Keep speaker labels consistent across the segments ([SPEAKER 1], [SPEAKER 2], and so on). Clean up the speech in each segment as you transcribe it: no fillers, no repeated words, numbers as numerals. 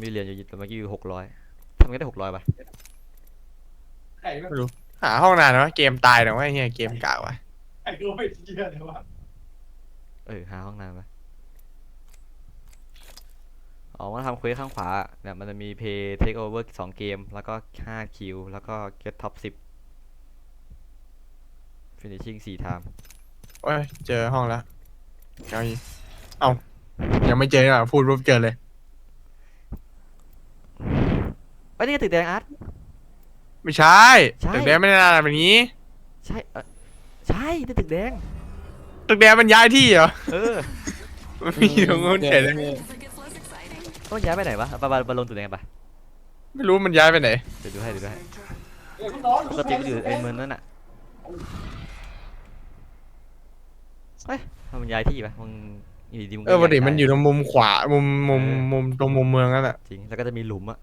[SPEAKER 1] มีเหรียญอยู่แต่เมื่อกี้อยู่600ทำไงได้600ป่ะ
[SPEAKER 2] ไม่รู้หาห้องนานนะเกมตายหรอวะเฮียเกมกากวะ
[SPEAKER 3] ไอ้กูไม่เชื่อเลยว่า
[SPEAKER 1] หาห้องน้ำป่ะอ๋อมันทำเควสข้างขวาเนี่ยมันจะมี Play Take Over 2 เกมแล้วก็5 คิวแล้วก็ Get Top 10 Finishing 4 Time
[SPEAKER 2] โอ้ยเจอห้องแล้วเอ้ายังไม่เจออ่ะพูดรูปเจอเลย
[SPEAKER 1] ไอ้นี่ตึกแดงอาร์ต
[SPEAKER 2] ไม่ใช่ตึกแดงไม่ได้นานแบบนี้
[SPEAKER 1] ใช่ใช่นี่ตึกแดง
[SPEAKER 2] ตึกแดงมันย้ายที่เหรอ
[SPEAKER 1] มัน
[SPEAKER 2] มีตรงนู้นเฉยเลย
[SPEAKER 1] ต้องย้ายไปไหนวะไปลงตึกแดงปะ
[SPEAKER 2] ไม่รู้มันย้ายไปไหน
[SPEAKER 1] เดี๋ยวดูให้
[SPEAKER 3] น้อง
[SPEAKER 1] ปกติก็อยู่ไอ้เมืองนั่นน่ะเฮ้ยทำมันย้ายที่ปะมึงอยู่ดีมึง
[SPEAKER 2] ปกติมันอยู่ตรงมุมขวามุมตรงมุมเมืองนั่นแหละ
[SPEAKER 1] จริงแล้วก็จะมีหลุมอะ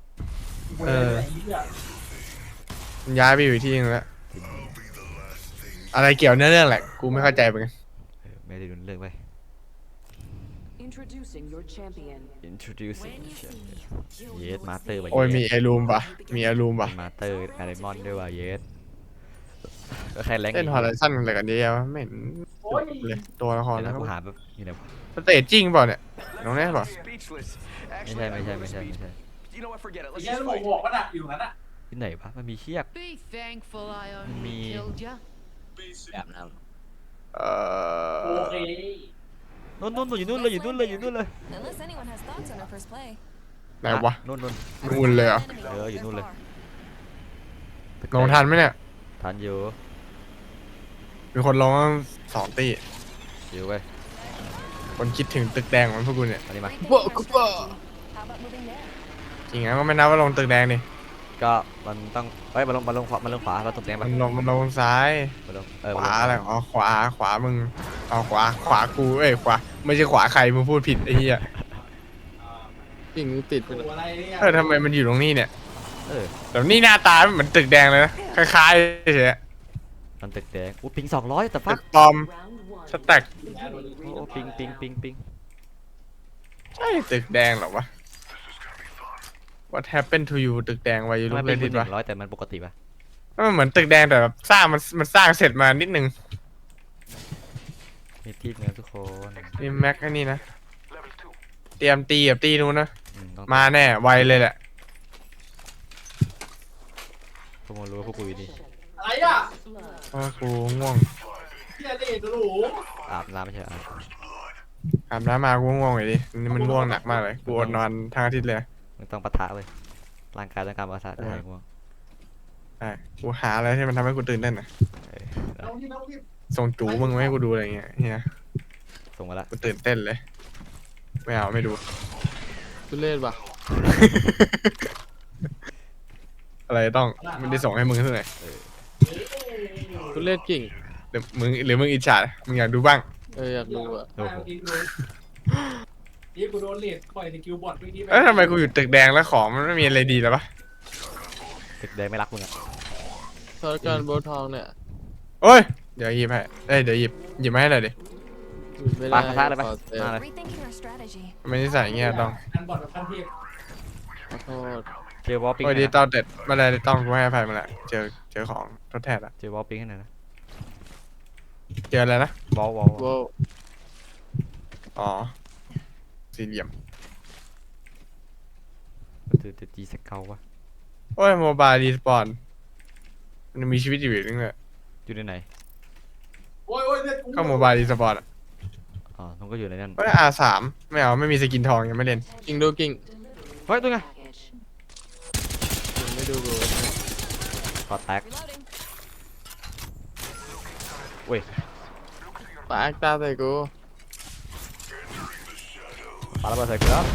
[SPEAKER 2] มันย้ายไปอยู่ที่นึงแล้วอะไรเกี่ยวเนื้อเรื่องแหละกูไม่เข้าใจเหมือนกัน
[SPEAKER 1] ไม่ได้ดูเรื่องไป
[SPEAKER 4] Introducing your champion
[SPEAKER 1] Yes Master ว่ะ
[SPEAKER 2] โอ้ยมีไอรูมปะมีไอรูมปะ
[SPEAKER 1] Master อาร์มอนด้วยว่ะ Yes ก็แค่แรง
[SPEAKER 2] เล่นฮอลไลซันอะไรกันเยอะไม่เห็นเลยตัวละคร
[SPEAKER 1] แล้
[SPEAKER 2] แล้ว ว
[SPEAKER 1] กูหาแบบอยู่ไหน
[SPEAKER 2] สเตจจริงเปล่าเนี่ยน้องแน่ป่ะ
[SPEAKER 1] ไม่ใช่
[SPEAKER 3] ไอ้แค่บอกว่าน่ะอยู่นั้นอ่ะ
[SPEAKER 1] ที่ไหนปะมันมีเชือกมี
[SPEAKER 4] แบบนั้น
[SPEAKER 3] โอเค
[SPEAKER 1] นู่นอยู่นู่นเลย
[SPEAKER 2] ไหนวะ
[SPEAKER 1] นู่น
[SPEAKER 2] นู่นเลยอ่ะ
[SPEAKER 1] อยู่นู่นเลย
[SPEAKER 2] ลงทันไหมเนี่ย
[SPEAKER 1] ทันอยู่
[SPEAKER 2] มีคนลง2 ตี
[SPEAKER 1] อยู่ไป
[SPEAKER 2] คนคิดถึงตึกแดงเหมือนพวกกูเนี่ย
[SPEAKER 1] อันนี้มา
[SPEAKER 2] จริงๆก็ไม่นับว่าลงตึกแดงนี่
[SPEAKER 1] ก็มันต้องมาลงขวาเราตกแดง
[SPEAKER 2] มั
[SPEAKER 1] ปะ
[SPEAKER 2] นลงซ้าย
[SPEAKER 1] มาลง
[SPEAKER 2] ขวาอะไรอ๋อขวามึงเอาขวากูขวาไม่ใช่ขวาใครมึงพูดผิดไอ้เหี้ย
[SPEAKER 5] จริงติดไป
[SPEAKER 3] อะไรเนี่ย
[SPEAKER 2] ทำไมมันอยู่ตรงนี้เนี่ย
[SPEAKER 1] แ
[SPEAKER 2] แต่นี่หน้าตาเหมือนตึกแดงเลยนะคล้ายๆเฉย
[SPEAKER 1] มันตึกแดงอู้ปิง200แต่ฟั
[SPEAKER 2] ตึ
[SPEAKER 1] ก
[SPEAKER 2] กปลอมสแต็ก
[SPEAKER 1] โอ้ปิง
[SPEAKER 2] ใช่ตึกแดงเหรอวะ What happened to you ตึกแดงวายุ
[SPEAKER 1] ทำไม
[SPEAKER 2] รุ
[SPEAKER 1] เป็น
[SPEAKER 2] ดิวะ
[SPEAKER 1] 100แต่มันปกติปะ
[SPEAKER 2] มันเหมือนตึกแดงแต่แบบสร้างมันสร้างเสร็จมานิดนึง
[SPEAKER 1] มีทีมนะทุกคน
[SPEAKER 2] มีแม็กไอ้นี่นะเตรียมตีกับตีนู้นนะ
[SPEAKER 1] ต้อง
[SPEAKER 2] มาแน่ไวเลยแหละ
[SPEAKER 1] พวกมึงรู้ว่าพวกกูอยู่นี่
[SPEAKER 3] อะไรอ่ะ
[SPEAKER 2] เพราะกูง่วง
[SPEAKER 3] เฮียนี่ดู
[SPEAKER 1] อาบน้ำไม่ใช่อาบ
[SPEAKER 2] อาบน้ำมากูง่วงเลยดินี่มันง่วงหนักมากเลยกูอดนอนทั้งอาทิตย์เลย
[SPEAKER 1] มึงต้องปะทะเลยร่างกายต้องการปะทะจะหายง่วง
[SPEAKER 2] ใช่กูหาอะไรที่มันทำให้กูตื่นเต้นน่ะส่งจูมึงมาให้กูดูอะไรเงี้ยเฮีย
[SPEAKER 1] ส่งมาละ
[SPEAKER 2] กูตื่นเต้นเลยไม่ดู
[SPEAKER 5] ทุเรศว่ะ
[SPEAKER 2] อะไรต้องไม่ได้ส่งให้มึงเท่าไหร่
[SPEAKER 5] ทุเรศเก่ง
[SPEAKER 2] หรือมึงอิจฉามึงอยากดูบ้าง
[SPEAKER 5] อยากดูอ่ะ
[SPEAKER 3] นี่กูโดนเลดปล่อยสกิลบอทด้วยที่
[SPEAKER 2] ทำไมกูอยู่ตึกแดงแล้วของมันไม่มีอะไรดีแล้วปะ
[SPEAKER 1] ตึกแดงไม่รักมึงอะ
[SPEAKER 5] ทศกัณฐ์โบทองเนี่ย
[SPEAKER 2] โอ้ยเดี๋ยวหยิบให้เดี๋ยวหยิบมาให้หน่อยดิ
[SPEAKER 5] ไม่
[SPEAKER 1] ปา
[SPEAKER 5] ได้
[SPEAKER 1] ปะทะเลยปะ
[SPEAKER 5] ขอเซฟ
[SPEAKER 1] มาเลย
[SPEAKER 2] ทำไมนิสัยอย่างเงี้ยต้อง
[SPEAKER 3] อันบอทแบบพันเทพ
[SPEAKER 5] ขอโทษ
[SPEAKER 1] เจอวอลปิ้ง
[SPEAKER 2] โอ้ยดิตอลเด็ดมาเลยต้องกูให้อภัยมาแล้วเจอของทดแทนละ
[SPEAKER 1] เจอวอลปิ้งให้หน่อยนะ
[SPEAKER 2] เจออะไรนะ
[SPEAKER 1] วอล
[SPEAKER 5] โว้
[SPEAKER 2] อ๋อสี่เหลี่ยม
[SPEAKER 1] มันจะจีสเกลวะ
[SPEAKER 2] โอ้ยโมบายรีสปอนมันมีชีวิตอยู่อีกนึงเลย
[SPEAKER 1] อยู่ในไหน
[SPEAKER 3] โอ้ยเลือดกู
[SPEAKER 2] ก็โมบายรีสปอนอ่ะ
[SPEAKER 1] อ๋อมันก็อยู่ในนั้น
[SPEAKER 2] ก็R3ไม่เอาไม่มีสกินทองยังไม่เล่น
[SPEAKER 5] กิ่งดูกิ่ง
[SPEAKER 1] เฮ้ยตัวไง
[SPEAKER 5] กิ่งไม่ดูกู
[SPEAKER 1] กอดแตกเว้ย
[SPEAKER 5] ปากตาใส่กู
[SPEAKER 1] ปาระเบิดใส่ครับ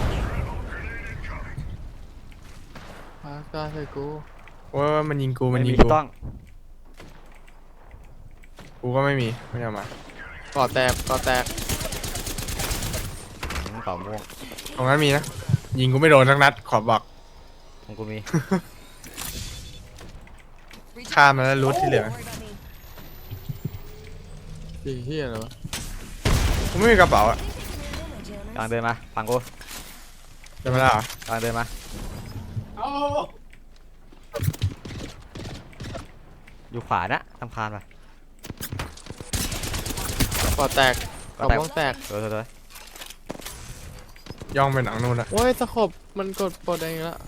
[SPEAKER 5] ปากตาใส่กู
[SPEAKER 2] ว่ามันยิงกู
[SPEAKER 1] ต้อง
[SPEAKER 2] กูก็ไม่เอามา
[SPEAKER 5] ก่อแตก
[SPEAKER 1] เป่าม่วง
[SPEAKER 2] ตรงนั้นมีนะยิงกูไม่โดนสักนัดขอบอก
[SPEAKER 1] ของกูมี
[SPEAKER 2] ฆ่ามันแล้วรูทที่เหลือ
[SPEAKER 5] กิ่งเฮียอะไรวะ
[SPEAKER 2] กูไม่มีกระเป๋าอ่ะ
[SPEAKER 1] กำลังเดินมาฟังกู
[SPEAKER 2] เดินมาแล้วเหรอก
[SPEAKER 1] ำลังเดินมา
[SPEAKER 3] โอ้
[SPEAKER 1] อยู่ขวานะทำคานไป
[SPEAKER 5] ก่อแตกกระบองแตก
[SPEAKER 1] เดี๋ยว
[SPEAKER 2] ย่องไปหนังนู่นละ
[SPEAKER 5] โอ้ยสะขบมันกดปลดเองแล้ว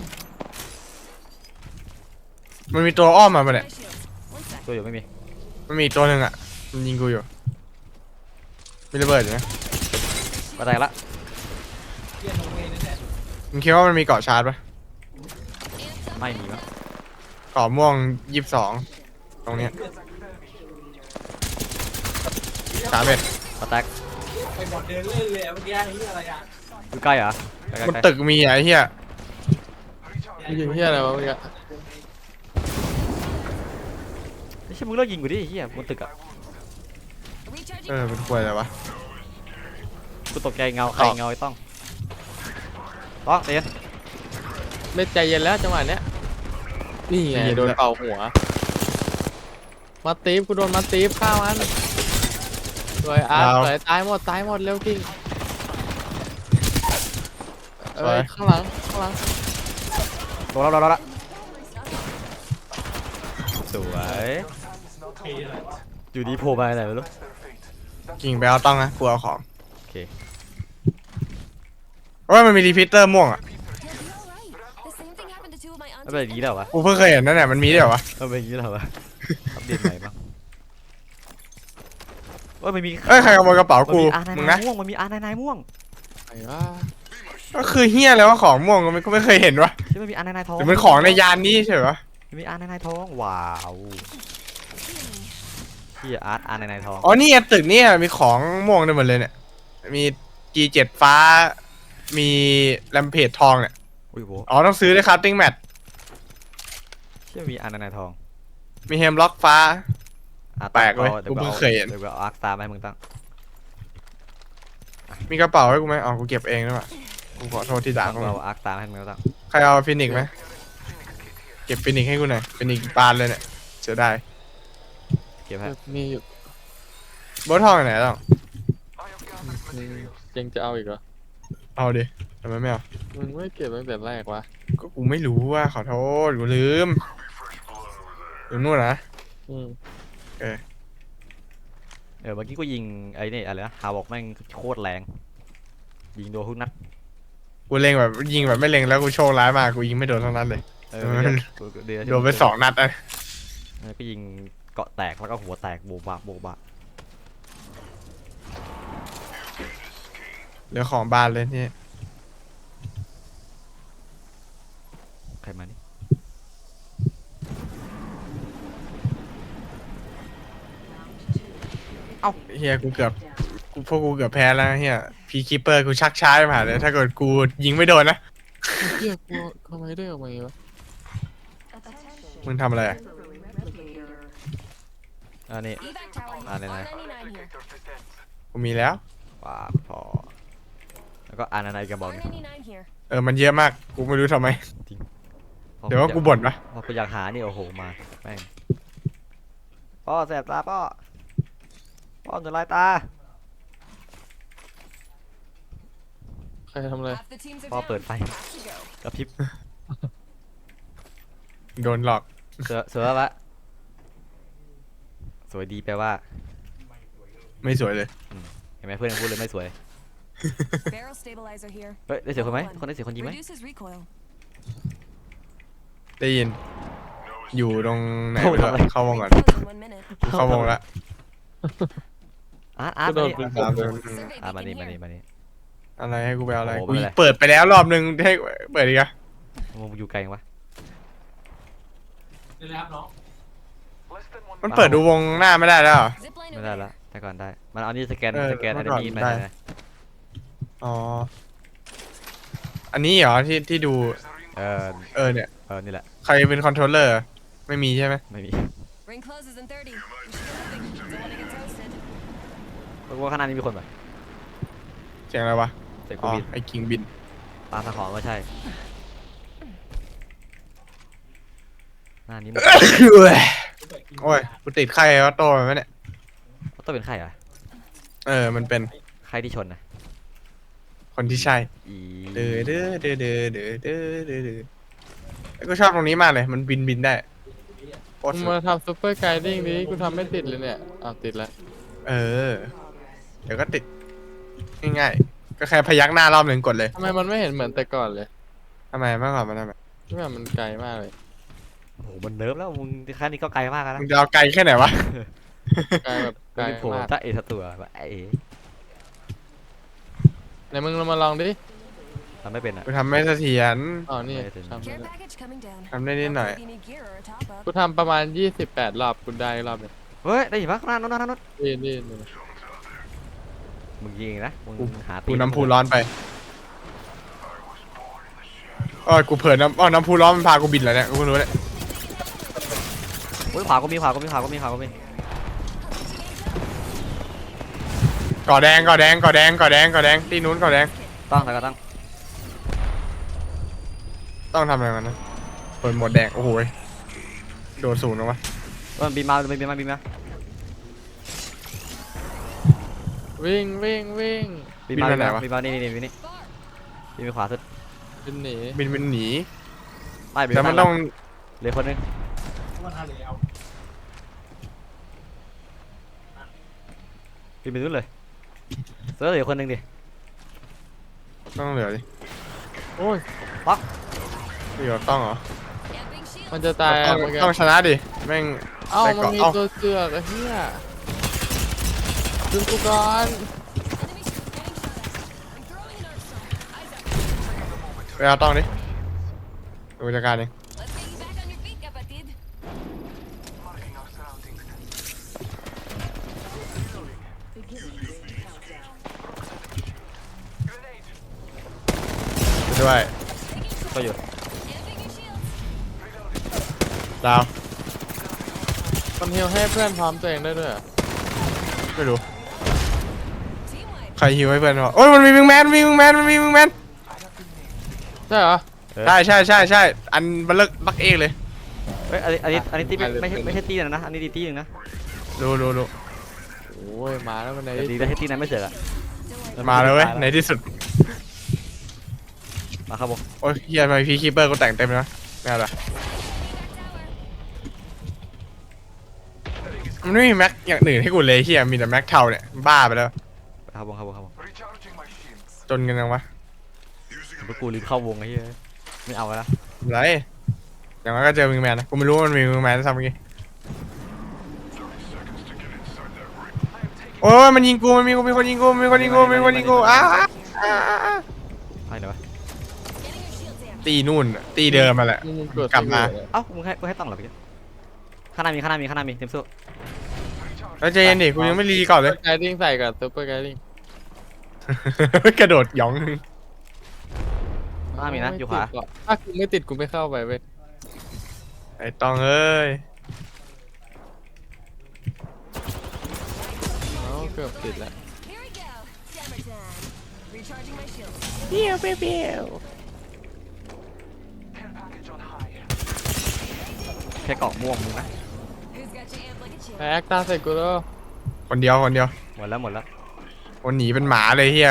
[SPEAKER 2] มันมีตัวอ้อมมาปะเนี่ย
[SPEAKER 1] ตัวอยู่ไม่มี
[SPEAKER 2] มันมีอีกตัวหนึ่งอ่ะมันยิงกูอยู่มีระเบิดอยู่นะ
[SPEAKER 1] กระแตกละ
[SPEAKER 3] เกียร์ลงเวรนั่นแหละ
[SPEAKER 2] มึงคิดว่ามันมีเกาะชาร์จปะ
[SPEAKER 1] ไม่มีมั้ง
[SPEAKER 2] เกาะม่วง22ตรงเนี้ย3 เม็ด
[SPEAKER 1] กระแตก
[SPEAKER 3] ไปบอดเดินเล่นเลยเมื่อกี้นี่อะไรอ่ะ
[SPEAKER 1] อยู่ใกล้เหรอใกล้
[SPEAKER 2] มัน
[SPEAKER 1] ใกล้
[SPEAKER 2] ตึกมีอะไอ้เหี้ย
[SPEAKER 5] มันยิงเฮียอะไรวะเมื่อกี้
[SPEAKER 1] ไม่ใช่มึงเลิกยิงกูดิไอ้เหี้ยบนตึกอ่ะ
[SPEAKER 2] เป็นควยอะไรวะ
[SPEAKER 1] กูตกใจเงาใครเงาไอ้ต้องเตียน
[SPEAKER 5] ไม่ใจเย็นแล้วจังหวะเนี้ยนี่ไงโดนเป่าหัวมาตีฟกูโดนมาตีฟฆ่ามันสวยอาร์ตสวยตายหมดเร็วกิ้งข้างหลัง
[SPEAKER 1] โดนแล้วละสวยอยู่ดีโผล่มาไหนไม่รู้
[SPEAKER 2] กิ่งไปเอาต้องนะกูเอาของ
[SPEAKER 1] โอเค
[SPEAKER 2] เพราะว่ามันมีรีพิเตอร์ม่วงอ่ะ
[SPEAKER 1] ไม่เป็นอย่างนี้แล้ววะ
[SPEAKER 2] กูเพิ่งเคยเห็นนั่นแหละมันมีด้วยเหรอวะ
[SPEAKER 1] ไม่เป็นอย่างนี้แล้ววะอัปเดตใหม่บ้างว่ามันมี
[SPEAKER 2] เอ้ยใครขโมยกระเป๋ากู
[SPEAKER 1] มัน
[SPEAKER 2] มึ
[SPEAKER 1] มี
[SPEAKER 2] ง
[SPEAKER 1] อา
[SPEAKER 2] นะ
[SPEAKER 1] ร์ม่วงมันมีอาร์นายม่วง
[SPEAKER 5] ไอ้ว่า
[SPEAKER 2] ก็คือเฮี้ยแล้วว่าของม่วงก็ไม่เคยเห็นวะ
[SPEAKER 1] ใช่มันมีอาร์นายทอง
[SPEAKER 2] หรือมันของในยานนี้ใช่เหรอ
[SPEAKER 1] มันมีอาร์นายทองว้าวพี่อาร์นายทอง
[SPEAKER 2] อ๋อนี่ไงตึกเนี่ยมีของม่วงได้หมดเลยเนี่ยมี G7 ฟ้ามีแลมเพจทองเนี่ย
[SPEAKER 1] อุ้ยโว้
[SPEAKER 2] อ๋อต้องซื้อด้วยคัตติ้งแมท
[SPEAKER 1] ใช่มีอาร์นายทอง
[SPEAKER 2] มีเฮมล็อกฟ้า
[SPEAKER 1] อ่ะ
[SPEAKER 2] แปลกเว้ย
[SPEAKER 1] ดี๋ว
[SPEAKER 2] กูเพิ่งเคยเห็น
[SPEAKER 1] เดี๋ยวเอาอาร์คตามให้มึงตั้ง
[SPEAKER 2] มีกระเป๋าให้กูไหมอ๋อกูเก็บเองด้วยว่ะกูขอโทษที่ด่า
[SPEAKER 1] ต้อง
[SPEAKER 2] มึง
[SPEAKER 1] เอาอาร์คตามให้มึงตั้ง
[SPEAKER 2] ใครเอาฟินิกซ์ไหมเก็บฟินิกซ์ให้กูหน่อยฟินิกซ์บานเลยเนี่ยเสียดาย
[SPEAKER 1] เก็บให้
[SPEAKER 5] มีอยู่
[SPEAKER 2] โบททองอยู่ไหนแล้ว
[SPEAKER 5] ยังจะเอาอีกเหรอ
[SPEAKER 2] เอาดิทำไมไม่เอา
[SPEAKER 5] มึงไม่เก็บตั้งแต่แรกวะ
[SPEAKER 2] ก็กูไม่รู้ว่าขอโทษกูลืมอยู่นู่นนะ
[SPEAKER 5] อืม
[SPEAKER 1] เมื่อกี้กูยิงไอ้นี่อะไรนะฮาบอกแม่งโคตรแรงยิงโดนทุกนัด
[SPEAKER 2] กูเล็งแบบยิงแบบไม่เล็งแล้วกูโชคร้ายมากกูยิงไม่โดนทั้งนั้นเลย
[SPEAKER 1] เดี๋ยว
[SPEAKER 2] โดนไป2 นัดอ่ะ
[SPEAKER 1] ก็ยิงเกาะแตกแล้วก็หัวแตกโบบะโบบะ
[SPEAKER 2] เหลือของบานเลยนี่
[SPEAKER 1] ใครมานี่
[SPEAKER 2] เฮียกูเกือบพวกกูเกือบแพ้แล้วเฮียพีคีเปอร์กูชักช้าไปผ่านเลยถ้าเกิดกูยิงไม่โดนนะ
[SPEAKER 5] เฮียกูทำไมได้ออกมาอย่างงี้วะ
[SPEAKER 2] มึงทำอะไรอะ
[SPEAKER 1] อันนี้ อะไรนะ
[SPEAKER 2] กูมีแล้ว
[SPEAKER 1] ว้าพอแล้วก็อาร์นายกระบอกหนึง
[SPEAKER 2] มันเยอะมากกูไม่รู้ทำไมเดี๋ยวว่ากูบ่นปะ
[SPEAKER 1] พอกูอยากหานี่โอ้โหมาแม่งพ่อแสบตาพ่อจะลายตา
[SPEAKER 5] ใครทำอะไร
[SPEAKER 1] พ่อเปิดไฟกระพริบ
[SPEAKER 2] โดนหลอก
[SPEAKER 1] เสือละสวยดีแปลว่า
[SPEAKER 2] ไม่สวยเลย
[SPEAKER 1] เห็นไหมเพื่อนยังพูดเลยไม่สวย
[SPEAKER 4] Barrel stabilizer here.
[SPEAKER 1] เฮ้ยได้เสียงคนไหมคนได้เสียงคนยิงไหม
[SPEAKER 4] Reduces recoil.
[SPEAKER 2] ได้ยิน อยู่ตรงไหน
[SPEAKER 1] โอ้
[SPEAKER 2] ไม่
[SPEAKER 1] ทำ
[SPEAKER 2] รู้
[SPEAKER 1] อะไร
[SPEAKER 2] เข้าวงก่อน
[SPEAKER 4] Ring close in 1 minute.
[SPEAKER 2] เข้าวงละ
[SPEAKER 1] อาร์ต
[SPEAKER 5] ก็โดน
[SPEAKER 1] มา
[SPEAKER 2] ตามเดิน
[SPEAKER 4] Survey
[SPEAKER 1] นี่
[SPEAKER 4] beacon
[SPEAKER 1] มา
[SPEAKER 4] here.
[SPEAKER 1] นี่
[SPEAKER 2] อะไรให้กูไปเอาอะไร
[SPEAKER 1] โอ้โห
[SPEAKER 2] กู
[SPEAKER 1] ไม่เป็นไร
[SPEAKER 2] เปิดไปแล้วรอบนึงให้เปิดอีกอะ
[SPEAKER 1] มึงอยู่ไกลยังวะ
[SPEAKER 3] นี่นะครับน้อง
[SPEAKER 2] มันเปิดดูวงหน้าไม่ได้แล้วเหรอ
[SPEAKER 4] Zipline
[SPEAKER 1] ไม่
[SPEAKER 4] over
[SPEAKER 1] ได้
[SPEAKER 4] here.
[SPEAKER 1] ละแต่ก่อนได้มันเอานี่สแกน
[SPEAKER 2] เออ
[SPEAKER 1] อัน
[SPEAKER 2] เมื่อก่อน
[SPEAKER 1] นี้มา
[SPEAKER 2] ได้
[SPEAKER 1] นะ
[SPEAKER 2] อ๋ออันนี้เหรอที่ดู
[SPEAKER 1] เออ
[SPEAKER 2] เนี่ย
[SPEAKER 1] นี่แหละ
[SPEAKER 2] ใครเป็นคอนโทรลเลอร์ไม่มีใช่ไหม
[SPEAKER 1] ไม่มี
[SPEAKER 4] Ring closes in 30. We should get moving. Don't want to get toasted.
[SPEAKER 1] เพราะว่าข้างหน้านี้มีคนป่ะ
[SPEAKER 2] เสียงอะไรวะ
[SPEAKER 1] เสียง
[SPEAKER 2] อ๋
[SPEAKER 1] กู
[SPEAKER 2] อ
[SPEAKER 1] บิน
[SPEAKER 2] ไอ้คิงบิน
[SPEAKER 1] ปลาสะขอก็ใช่หน้านี้มัน
[SPEAKER 2] โอ้ยกูติดไข้ว่าโตไหมเนี่ย
[SPEAKER 1] ต้องเป็นใครอ่ะ
[SPEAKER 2] มันเป็น
[SPEAKER 1] ใครที่ชนนะ
[SPEAKER 2] คนที่ใช่
[SPEAKER 1] อี
[SPEAKER 2] เด้อเด้อเด้อเด้อเด้อเด้อเด้อเด้อแล้วก็ชอบตรงนี้มากเลยมันบินได้โคตร
[SPEAKER 5] มึง
[SPEAKER 2] สุด
[SPEAKER 5] มาทำซูเปอร์ไกดิ้งดิกูทำไม่ติดเลยเนี่ยอ้าวติดแล้ว
[SPEAKER 2] เออ เดี๋ยวก็ติดง่ายๆก็แค่พยักหน้ารอบหนึ่งกดเลย
[SPEAKER 5] ทำไมมันไม่เห็นเหมือนแต่ก่อนเลย
[SPEAKER 2] ทำไมมากกว่ามันทำไม
[SPEAKER 5] ที่แบบมันไกลมากเลย
[SPEAKER 1] โอ้โหมันเนิร์ฟแล้วมึงแค่นี้ก็ไกลมากแล้ว
[SPEAKER 2] มึ
[SPEAKER 1] นะ
[SPEAKER 2] งจะเอาไกลแค่ไหนวะ
[SPEAKER 5] ไกลแบบไกล
[SPEAKER 1] ไม่ได้โผล่
[SPEAKER 5] มาก
[SPEAKER 1] จ้าเอสตัวแบบไอ้เอ๋
[SPEAKER 5] ไหนมึงเรามาลองดิ
[SPEAKER 1] ทำไม่เป็นอ่ะ
[SPEAKER 2] กูทำไม่เสถียร
[SPEAKER 5] อ๋อนี่
[SPEAKER 1] ไม่ถึง
[SPEAKER 5] ทำ
[SPEAKER 4] Care package coming down.
[SPEAKER 2] ทำได้นิดหน่อย
[SPEAKER 4] If you need gear or a top up.
[SPEAKER 5] กูทำประมาณ28รอบกูได้รอบเลย
[SPEAKER 1] เฮ้ยได้ยินปะข้างหน้าโน้นโน้นโน้น
[SPEAKER 5] นี่
[SPEAKER 1] มึงยิงนะมึงหาตี
[SPEAKER 2] กูน้ำพุร้อนไปกูเผลอน้ำพุร้อนมันพากูบินแล้วเนี่ยกูรู้แล้ว
[SPEAKER 1] โอ้ยขวาก็มีขวาก็มีขวาก็มีขวาก็มี
[SPEAKER 2] ก่อแดงตีนู้นก่อแดง
[SPEAKER 1] ต้องแต่ก็ต้อง
[SPEAKER 2] ต้องทำอะไรมันนะเปิดโหมดแดงโอ้โหยโดดสูงนะวะ
[SPEAKER 1] มันบินมาบินมาบินมา
[SPEAKER 5] วิ่ง
[SPEAKER 1] บินมาบินมานี่นี่นี่บินไปขวาสุด
[SPEAKER 5] บินหนี
[SPEAKER 2] บินหนี
[SPEAKER 1] ไม่บิน
[SPEAKER 2] แต่มันต้อง
[SPEAKER 1] เหลือคนนึงบินไปนู้นเลยเสือเหลือคนนึงดิ
[SPEAKER 2] ต้องเหลือดิ
[SPEAKER 5] โอ้ย
[SPEAKER 2] เหลือต้องเหรอ
[SPEAKER 4] Amping shield.
[SPEAKER 5] มันจะตายอ่ะ
[SPEAKER 2] ต้อง
[SPEAKER 5] เมื่อกี้
[SPEAKER 2] ต้องชนะดิแม่ง
[SPEAKER 5] เอ้า
[SPEAKER 2] ได้
[SPEAKER 5] มัน
[SPEAKER 2] เกาะ
[SPEAKER 5] มี
[SPEAKER 2] เอ้า
[SPEAKER 5] ตัวเสือกไอ้เหี้ยดึงกูก่อน
[SPEAKER 4] Enemy getting shot at. I'm throwing an arc star. Eyes up.
[SPEAKER 2] ไปเอาต้องดิดูจัดการเอง
[SPEAKER 4] Let's get you back on your feet, kapatid.
[SPEAKER 2] ไปด้วย
[SPEAKER 1] ก็อยู่
[SPEAKER 4] Amping your shields.
[SPEAKER 2] ดาว
[SPEAKER 5] มันฮิวให้เพื่อนพร้อมตัวเองได้ด้วยเหรอ
[SPEAKER 2] ไม่รู้
[SPEAKER 4] Team wipe.
[SPEAKER 2] ใครฮิวให้เพื่อนวะโอ้ยมันมีวิงแมนมันมีวิงแมน
[SPEAKER 5] ใช่เหรอ
[SPEAKER 2] ใช่อันบัลเลิกบักเอกเลย
[SPEAKER 1] เฮ้ยอันนี้ตีไม่ใช่ตีนะอันนี้ตีหนึ่งนะ
[SPEAKER 2] ดู
[SPEAKER 5] โอ้ยมาแล้วมันไหน
[SPEAKER 1] แต่ดีได้ให้ตีนั้นไม่เสร็จอะ
[SPEAKER 4] Don't worry.
[SPEAKER 2] มาแล้วเว้ยในที่สุด
[SPEAKER 1] มาครับผม
[SPEAKER 2] โอ้ยเฮียทำไมพีคีเปอร์กูแต่งเต็มเลยวะไม่เอาละ
[SPEAKER 4] Tower.
[SPEAKER 2] มันไม่มีแม็กอย่างอื่นให้กูเลยเฮียมีแต่แม็กเทาเนี่ยบ้าไปแล้ว
[SPEAKER 1] ครับผม
[SPEAKER 3] Recharging my shields.
[SPEAKER 2] จนกันยังวะ
[SPEAKER 1] พวกกูรีบเข้าวงไอ้เหี้ยไม่เอาแล้ว
[SPEAKER 2] ไรอย่างนั้นก็เจอวิงแมนนะกูไม่รู้ว่ามันมีวิงแมนทำเมื่อกี้โอ้ยมันยิงกูมันมีคนยิงกูอ้า
[SPEAKER 1] ไปไหนวะ
[SPEAKER 4] Getting your shields amped.
[SPEAKER 2] ตีนู่นตีเดิมมาแหละ
[SPEAKER 5] มึงกด
[SPEAKER 2] กลับมา
[SPEAKER 1] เอ้ามึงให้ต้องเหรอพี่ข้างหน้ามีเต็มสู้
[SPEAKER 2] แล้วใจเย็นดิกูยังไม่รีก่อนเลย
[SPEAKER 5] ไกดิ้งใส่กับซูเปอร์ไกดิ้ง
[SPEAKER 2] กระโดดหยอง
[SPEAKER 1] ข้างหน้ามีนะอยู่ขวา
[SPEAKER 5] ถ้ากูไม่ติดกูไม่เข้าไปเว้ย
[SPEAKER 2] ไอ้ตองเอ้ย
[SPEAKER 5] เอ้าเกือบติดแล้ว
[SPEAKER 4] Here we go. Summer time. Recharging my shields.
[SPEAKER 2] เปี้ยวเปี้ยว
[SPEAKER 3] Care package on high.
[SPEAKER 1] แค่เกาะม่วงมึงนะ
[SPEAKER 4] Who's got you amped like a champ?
[SPEAKER 5] ไอ้แอคตาใส่กูแล้ว
[SPEAKER 2] คนเดียว
[SPEAKER 1] หมดแล้ว
[SPEAKER 2] คนหนีเป็นหมาเลยเฮีย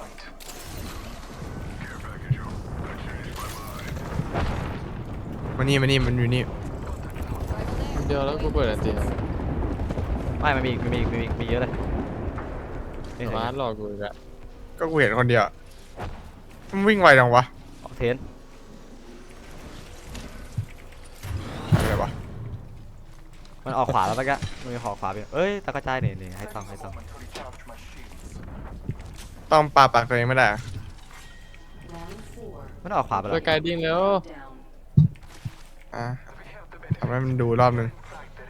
[SPEAKER 2] มันอยู่นี่
[SPEAKER 5] คนเดียวแล้วกูเปิดอันตี
[SPEAKER 1] ไม่มันมีเยอะเลยนี่
[SPEAKER 5] มาหลอกกูอีกอะ
[SPEAKER 2] ก็กูเห็นคนเดียวมันวิ่งไวจังวะ
[SPEAKER 1] ออกเทน
[SPEAKER 2] อะไรวะ
[SPEAKER 1] มันออกขวาแล้วปะแกมันมีขอขวาไปเอ้ยตะกระจายนี่ให้ต้อง
[SPEAKER 3] To recharge my shields.
[SPEAKER 2] ต้องปาปากตัวเองไม่ได้อะ
[SPEAKER 1] มันออกขวาไป
[SPEAKER 5] ซู
[SPEAKER 1] แล้
[SPEAKER 5] เปอ
[SPEAKER 1] ว
[SPEAKER 5] ร์ไกดิ้งแล้ว
[SPEAKER 2] อ่ะทำให้มันดูรอบนึง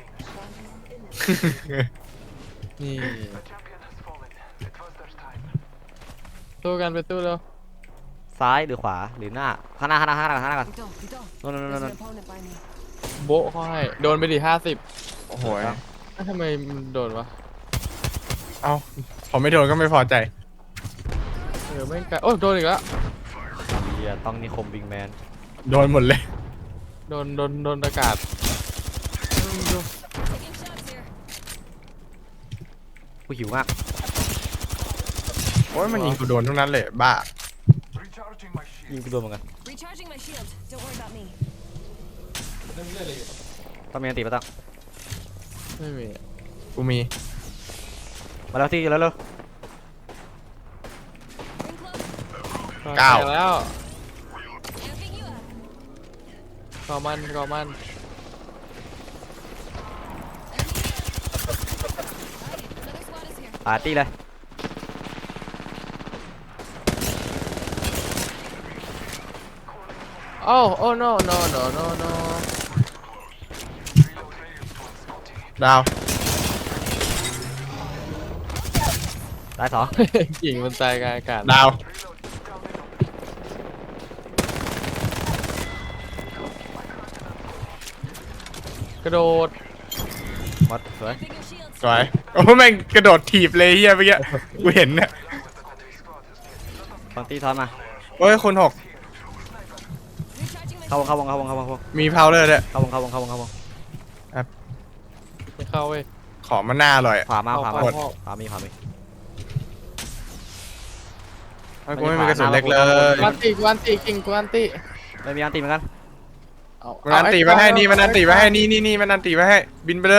[SPEAKER 5] นี่
[SPEAKER 3] The champion has fallen. It was their time.
[SPEAKER 5] สู้กันไปสู้แล้ว
[SPEAKER 1] ซ้ายหรือขวาหรือหน้าข้างหน้าก่อน
[SPEAKER 4] Vito, Vito.
[SPEAKER 1] โน่น
[SPEAKER 4] There's an opponent by me.
[SPEAKER 5] โบะเขาให้โดนไปดิ50
[SPEAKER 2] โอ้โหย
[SPEAKER 5] ทำไมมันโดนวะ
[SPEAKER 2] เอ้าผมไม่โดนก็ไม่พอใจ
[SPEAKER 5] ไม่งไกลโอ้ยโดนอีกแล้ว
[SPEAKER 1] เฮียต้องนิคมบิงแมน
[SPEAKER 2] โดนหมดเลย
[SPEAKER 5] โดนอากาศ
[SPEAKER 4] Taking shots here.
[SPEAKER 1] กูหิวมาก
[SPEAKER 2] โอ้ยมันยิงกูโดนทั้งนั้นเลยบ้า
[SPEAKER 1] ยิงกูโดนเหมือนกัน
[SPEAKER 4] Recharging my shield. Don't worry about me.
[SPEAKER 1] ต้องมีอันติปะตั้ง
[SPEAKER 5] ไม่มี
[SPEAKER 2] กูมี
[SPEAKER 1] มาแล้วที่แล้วเร็ว
[SPEAKER 4] Bring close.
[SPEAKER 2] เก้า
[SPEAKER 5] แตแล้ว
[SPEAKER 4] Amping you up.
[SPEAKER 5] ก่อมันก่อมัน
[SPEAKER 4] Another squad is here.
[SPEAKER 1] ปาร์ตี้เลย
[SPEAKER 5] โอ้โอ้ no no no no no
[SPEAKER 2] ดาว
[SPEAKER 1] ตายสอง
[SPEAKER 5] กิ่งมันตายกลางอากาศ
[SPEAKER 2] ดาว
[SPEAKER 5] กระโดด
[SPEAKER 1] หมดสวย
[SPEAKER 4] Amping your shields.
[SPEAKER 2] สวยโอ้แม่งกระโดดถีบเลยเฮียเมื่อกี้กูเห็นเนี่ย
[SPEAKER 1] ฟังตีทอนมา
[SPEAKER 2] โอ้ยคนหก
[SPEAKER 4] Recharging my
[SPEAKER 1] เข้าวง
[SPEAKER 4] shield.
[SPEAKER 1] เข้าวงเข้าวงเข้าวงเข้าวง
[SPEAKER 2] มีพาวเลอร์ด้วย
[SPEAKER 1] เข้าวงเข้าวงเข้าวงเข้าวง
[SPEAKER 5] ไม่เข้าเว้ย
[SPEAKER 2] ของมันน่าอร่อย
[SPEAKER 1] ขวามาขวามา
[SPEAKER 5] เข้
[SPEAKER 1] ขวามีขวามี
[SPEAKER 2] ไม่กูไม่มีกระสุนเล็กเลย
[SPEAKER 5] กวนตีกวนตีกิ่งกวนตี
[SPEAKER 1] ไม่มีอันติเหมือนกัน
[SPEAKER 5] เอา
[SPEAKER 2] มันอันตีมาให้นี่มันอันตีมาให้นี่มันอันตีมาให้ บินไปเลย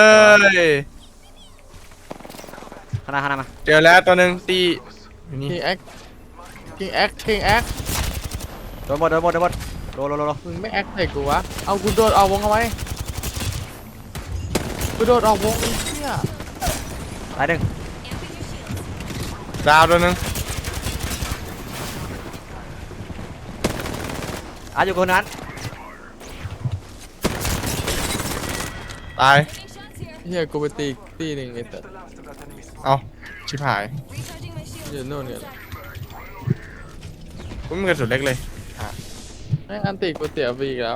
[SPEAKER 1] ข้างหน้ามา
[SPEAKER 2] เจอแล้วตัวหนึ่งตีอยู่นี่
[SPEAKER 5] กิ่งแอคกิ่งแอคกิ่งแอค
[SPEAKER 1] โดนหมดโดนหมดโดนหมดโล
[SPEAKER 5] มึงไม่แอคใส่กูวะเอากูโดดออกวงเอาไว้กูโดดออกวงไอ้เหี้ย
[SPEAKER 1] ตายหนึ่ง
[SPEAKER 4] Amping your shields.
[SPEAKER 2] ดาวตัวหนึ่ง
[SPEAKER 1] อาร์ตอยู่คนนั้น
[SPEAKER 2] ตาย
[SPEAKER 4] Taking shots here.
[SPEAKER 5] เหี้ยกูไปตีอีกตีหนึ่งไอ้แต่
[SPEAKER 2] เอาชิบหาย
[SPEAKER 4] Recharging my shield.
[SPEAKER 5] อยู่นู่นเนี่ย
[SPEAKER 2] กูไม่มีกระสุนเล็กเลย
[SPEAKER 5] ไม่อันติกูเสียฟรีอีกแล้ว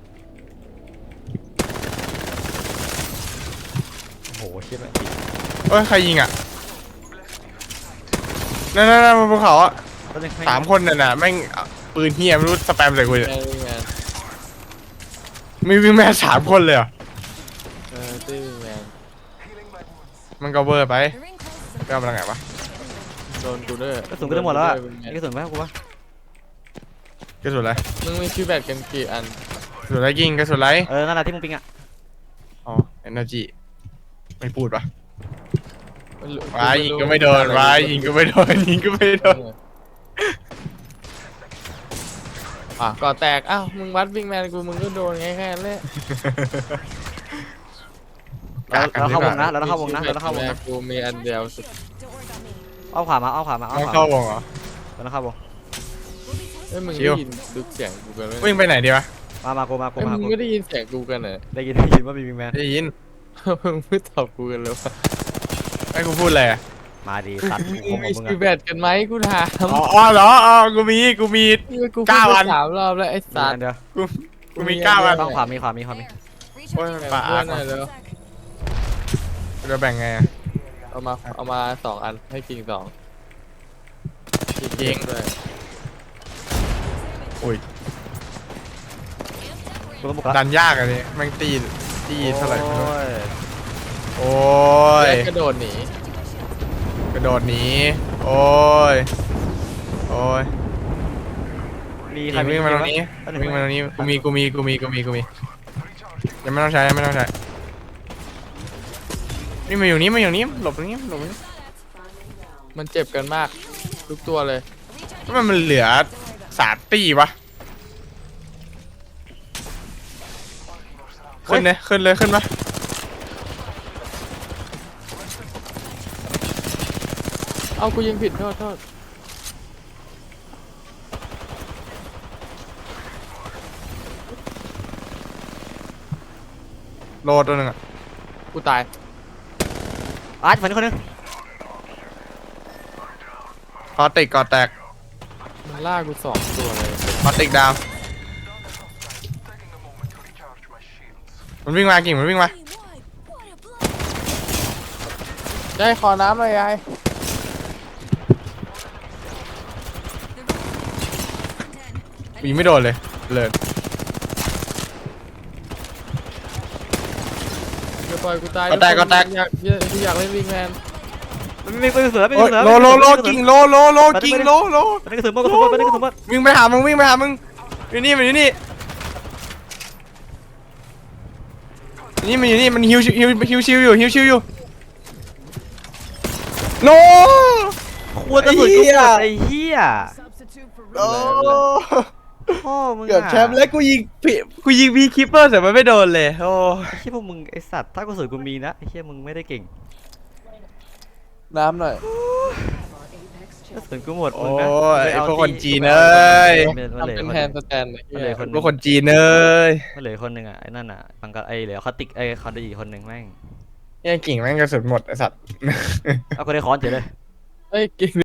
[SPEAKER 1] โอ้โหเชี่ยแม่ง
[SPEAKER 2] เอ้ยใครยิงอ่ะนั่นบนภูเขาอ่ะ
[SPEAKER 1] แป๊บนึง
[SPEAKER 2] 3 คนน่ะแม่งปืนเฮียไม่รู้สแปมใส่กู
[SPEAKER 5] แม่วิ่งแมน
[SPEAKER 2] มีวิ่งแม่3 คนเลยเหรอ
[SPEAKER 5] ตีวิ่งแมน
[SPEAKER 2] มันก็เวอร์ไป
[SPEAKER 4] The ring closes.
[SPEAKER 2] ก็เอามาทางไหนวะ
[SPEAKER 5] โดนกูด้วย
[SPEAKER 1] กระสุนก็จะหมดแล้วอะ
[SPEAKER 5] โนกู
[SPEAKER 1] มีกระสุนไหมกูวะ
[SPEAKER 2] กระสุนอะไร
[SPEAKER 5] มึงมีคิวแบตกันกี่อัน
[SPEAKER 2] กระสุนอะไรยิงกระสุนอะไร
[SPEAKER 1] นั่นแหละที่มึงปิงอ่ะ
[SPEAKER 2] อ๋อ energy ไม่พูดปะ
[SPEAKER 5] ไม่รู้
[SPEAKER 2] ว้ายยิงก็ไม่โดนว้ายยิงก็ไม่โดนยิงก็ไม่โดน
[SPEAKER 5] ก่อแตกอ้าวมึงวัดวิ่งแมนกูมึงก็โดนไงแค่นั้นแหละ
[SPEAKER 1] เราเข้าวงนะเราต้องเข้าวงนะเราต้องเข้าวงนะ
[SPEAKER 5] กูมีอันเดียวสุด
[SPEAKER 4] Don't worry about me.
[SPEAKER 1] อ้อมขวามาอ้อมขวามาอ้อม
[SPEAKER 2] ต้อง
[SPEAKER 1] ขวา
[SPEAKER 2] เข้าวงเหรอ
[SPEAKER 1] เราต้องเข้าวง
[SPEAKER 4] We'll be toast.
[SPEAKER 5] เอ้ยมึง
[SPEAKER 2] ชิ
[SPEAKER 5] ได้
[SPEAKER 2] ว
[SPEAKER 5] ยินดูเสียงกูกันไหม
[SPEAKER 2] วิ่งไปไหนดีวะ
[SPEAKER 1] มากู
[SPEAKER 5] เอ้ยมึงไม่ได้ยินเสียงกูกันเหรอ
[SPEAKER 1] ได้ยินว่ามีวิงแมน
[SPEAKER 2] ได้ยิน
[SPEAKER 5] มึงไม่ตอบกูกันเลยวะ
[SPEAKER 2] ไอ้กูพูดอะไรอะ
[SPEAKER 1] มาดีตัด
[SPEAKER 5] มึ
[SPEAKER 1] ผม
[SPEAKER 5] ง
[SPEAKER 1] ของมึง
[SPEAKER 5] มีคิวแบ
[SPEAKER 1] อ่ะ
[SPEAKER 5] ตกันไหมกูถาม
[SPEAKER 2] อ๋อเหรออ๋อกูมี
[SPEAKER 5] กูพูด
[SPEAKER 2] เก้า
[SPEAKER 5] ไป
[SPEAKER 2] อัน
[SPEAKER 5] 3 รอบแล้วไอ้สัตว์
[SPEAKER 1] เดียว
[SPEAKER 2] กูมี9 อัน
[SPEAKER 1] ต้องขวามีขวามี
[SPEAKER 4] There.
[SPEAKER 2] โอ้ย
[SPEAKER 4] Recharging
[SPEAKER 2] มัน
[SPEAKER 4] my
[SPEAKER 2] ปะ
[SPEAKER 5] เพื่
[SPEAKER 2] อา
[SPEAKER 5] อนหน่อยเร็ว
[SPEAKER 4] sec.
[SPEAKER 2] จะแบ่งไงอะ
[SPEAKER 5] เอามา2 อันให้กิ่ง2
[SPEAKER 2] ยิง
[SPEAKER 5] ด้วย
[SPEAKER 2] อุ้ย
[SPEAKER 1] กูต้องบุกแล้ว
[SPEAKER 2] ดันยากอันนี้แม่งตีเท่าไหร่ไม่รู้
[SPEAKER 1] โอ้ย
[SPEAKER 2] โอ้ย
[SPEAKER 5] แล้วกระโดดหนี
[SPEAKER 2] กระโดดหนีโอ้ยโอ้ย
[SPEAKER 1] มีใคร
[SPEAKER 2] วิ่งมาตรงนี้
[SPEAKER 1] อันหนึ่
[SPEAKER 2] วิ่งมาตรงนี้กูมียังไม่ต้องใช้นี่มาอยู่นี่หลบตรงนี้
[SPEAKER 5] มันเจ็บกันมากทุกตัวเลย
[SPEAKER 2] ทำไมมันเหลือ3 ตีวะขึ้นมา
[SPEAKER 5] เอากูยิงผิดโทษ
[SPEAKER 2] โลตัวหนึ่งอะ
[SPEAKER 5] กูตาย
[SPEAKER 1] อาร์ตฝันคนนึง
[SPEAKER 2] คอติกก่อแตก
[SPEAKER 5] มันล่ากู2 ตัวเลย
[SPEAKER 2] คอติกดาวมันวิ่งมากิ่งมันวิ่งมา
[SPEAKER 5] ได้ขอน้ำเลยยาย
[SPEAKER 2] ยิงไม่โดนเลยเลย
[SPEAKER 5] อย่าปล่อยกูตาย
[SPEAKER 2] ก็แตก
[SPEAKER 5] อยากเล่นวิ่งแมน
[SPEAKER 1] ไม่เสือไม่
[SPEAKER 2] โอ้ย
[SPEAKER 1] เสือ
[SPEAKER 2] โลกิ่งโลกิ่งโล
[SPEAKER 1] มันกระสุนหมดกระสุนหมดมันกระสุนหมด
[SPEAKER 2] วิ่งไปหามึงอยู่นี่มันอยู่นี่มันฮิวชิวอยู่โน
[SPEAKER 1] ควรกระสุนกูหมดไอ้เหี้ย
[SPEAKER 4] Substitute for
[SPEAKER 2] โอ้
[SPEAKER 1] พ่อมึง
[SPEAKER 2] เกือบแชมป์แล้วกูยิงพีคิปเปอร์แต่มันไม่โดนเลยโอ้
[SPEAKER 1] ไอ้เหี้ยพวกมึงไอ้สัตว์ถ้ากระสุนกูมีนะไอ้เหี้ยมึงไม่ได้เก่ง
[SPEAKER 2] น้ำหน่อย
[SPEAKER 1] กระสุนกูหมด
[SPEAKER 2] โอ้
[SPEAKER 1] มึงนะ
[SPEAKER 2] ยไอ้พวกคนจีนเอ้ย
[SPEAKER 1] มันเหลือ
[SPEAKER 5] ทำเป็น
[SPEAKER 1] คน
[SPEAKER 5] แฮนด์สแตนด์
[SPEAKER 1] มันเหลือคนห
[SPEAKER 2] พ
[SPEAKER 1] นึ
[SPEAKER 2] วก
[SPEAKER 1] ง
[SPEAKER 2] คนจีนเอ้ย
[SPEAKER 1] มันเหลือคนหนึงอ่ะไอ้นั่นอ่ะบังกะไอ้เหลือคอติกไอ้คอนดีอีกคนหนึงแม่ง
[SPEAKER 2] เนี่ยกิ่งแม่งกระสุนหมดไอ้สัตว์
[SPEAKER 1] เอาคนได้ค้อนเฉยเลย
[SPEAKER 5] เอ้ยกิน